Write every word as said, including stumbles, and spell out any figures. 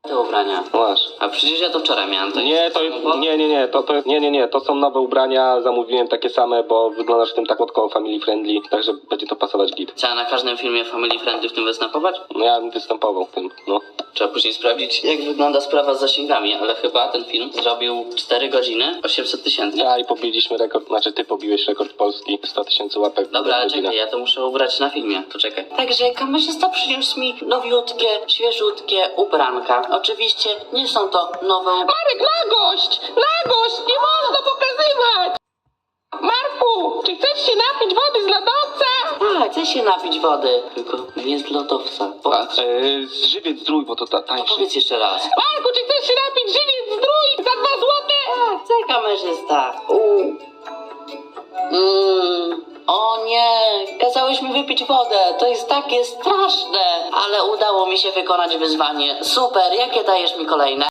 te ubrania. Masz. A przecież ja to wczoraj miałem. To Nie, to nie, nie, nie, to, to jest, nie, nie, nie, to są nowe ubrania, zamówiłem takie same, bo wyglądasz w tym tak koło family friendly, także będzie to pasować git. Trzeba na każdym filmie Family Friendly w tym występować? No ja bym występował w tym, no. Trzeba później sprawdzić, jak wygląda sprawa z zasięgami, ale chyba ten film zrobił cztery godziny, osiemset tysięcy. Ja i pobiliśmy rekord, znaczy ty pobiłeś rekord Polski, sto tysięcy łapek. Dobra, ale godzinę. czekaj, ja to muszę ubrać na filmie, to czekaj. Także kamerzysta przyniósł mi nowiutkie, świeżutkie ubranka. Oczywiście nie są to nowe ubrania. Marek, nagość! Nagość! Nie można pokazywać! Marku, czy chcesz się napić wody z lodowca? Tak, chcę się napić wody, tylko nie z lodowca. A, Powiedz, e, żywiec zdrój, bo to ta, tańszy. powiedz jeszcze raz. Marku, czy chcesz się napić żywiec zdrój za dwa złote? Tak, chcę kamerzysta. Uuu. Mm. O nie, kazałeś mi wypić wodę, to jest takie straszne. Ale udało mi się wykonać wyzwanie. Super, jakie dajesz mi kolejne?